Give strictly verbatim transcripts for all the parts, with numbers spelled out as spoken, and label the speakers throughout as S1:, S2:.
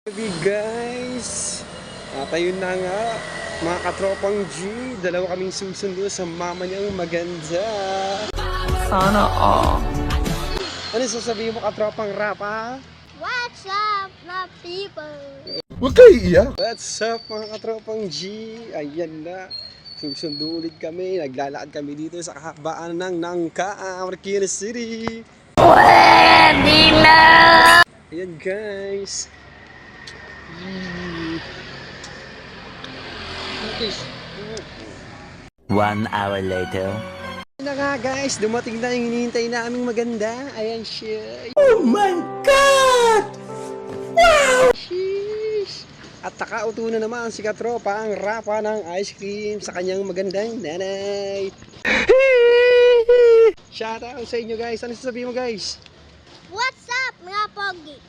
S1: Hey guys, at ayun na nga mga katropang G, dalawa kaming susundo sa mama niyang maganda.
S2: Sana all.
S1: Ano sasabihin mo katropang rap ha?
S3: What's up, my people?
S4: Huwag kayo iiyak.
S1: What's up mga katropang G? Ayan na, susundo ulit kami, naglalakad kami dito sa kakakbaan ng Nangka, Marikina City.
S2: Pwede na!
S1: Ayan guys.
S5: One hour later.
S1: Na nga guys, dumating na yung hinihintay naming maganda. Ayan siya.
S4: Oh my God! Wow!
S1: Sheesh! At nakauto na naman si Katropa ang rapa ng ice cream sa kanyang magandang nanay. Shout out sa inyo guys. Ano sasabihin mo guys?
S3: What's up, mga pogi?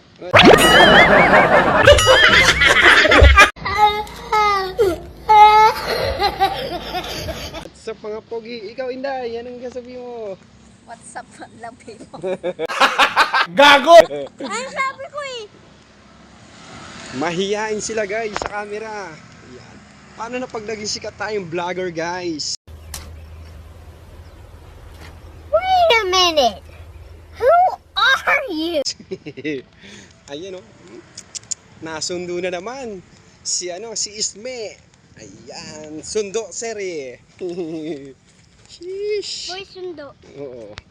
S1: What's up mga pogi? Ikaw Inday, anong sasabihin mo?
S3: What's up, mga people?
S4: Gago!
S3: Ano sabi ko eh?
S1: Mahihain sila guys sa camera. Ayan. Paano na pag naging sikat tayong vlogger guys?
S3: Wait a minute. Who are you?
S1: Ayan o. Nasundo na naman. Si ano, si Isme. Ayan. Sundo seri. Sheesh.
S3: Boy, sundo.
S1: Oo.